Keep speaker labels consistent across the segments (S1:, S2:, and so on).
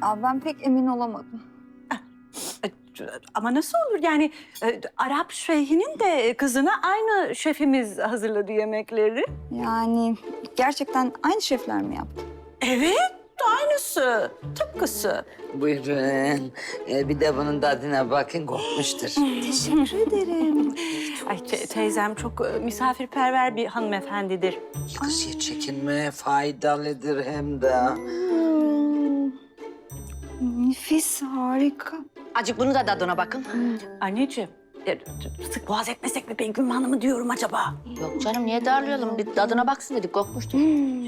S1: Ya ben pek emin olamadım.
S2: Ama nasıl olur yani Arap şeyhinin de kızına aynı şefimiz hazırladı yemekleri.
S1: Yani gerçekten aynı şefler mi yaptı?
S2: Evet, aynısı, tıpkısı.
S3: Buyurun. Bir de bunun tadına bakın, kokmuştur.
S1: Teşekkür ederim.
S2: Ay teyzem çok misafirperver bir hanımefendidir.
S3: Kız ya, çekinme, faydalıdır hem de.
S1: Nefis, harika.
S4: Acık bunu da tadına bakın.
S2: Anneciğim, sık boğaz etmesek mi Begüm Hanım'ı diyorum acaba?
S4: Yok canım niye darlayalım? Bir tadına baksın dedik kokmuştur.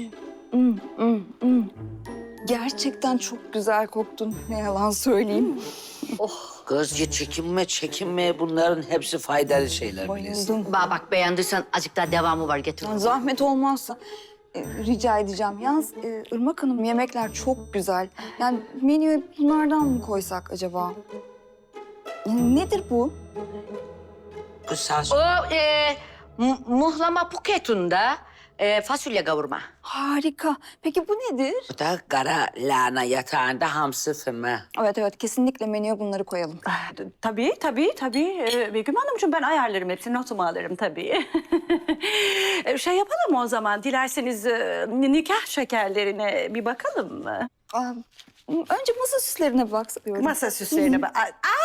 S1: Gerçekten çok güzel koktun. Ne yalan söyleyeyim.
S3: Kız ya, çekinme. Bunların hepsi faydalı şeyler biliyorsun.
S1: Bayıldım.
S4: Bak beğendiysen acık daha devamı var getir.
S1: Yani zahmet olmazsa rica edeceğim. Yalnız Irmak Hanım yemekler çok güzel. Yani menüye bunlardan mı koysak acaba? Nedir bu?
S3: Bu saz...
S4: O muhlama puketunda fasulye kavurma.
S1: Harika. Peki bu nedir?
S3: Bu da kara lahana yatağında hamsi füme.
S1: Evet kesinlikle menüye bunları koyalım.
S2: Tabii. Begüm Hanımcığım ben ayarlarım hepsini, notumu alırım tabii. Şey yapalım o zaman, dilerseniz nikah şekerlerine bir bakalım mı?
S1: Önce masa süslerine baksak diyorum.
S2: Masa süslerine bak.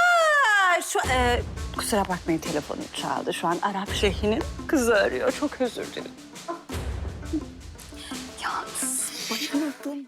S2: Kusura bakmayın, telefonum çaldı. Şu an Arap şeyhinin kızı arıyor. Çok özür dilerim.
S1: Yalnız bayıldım.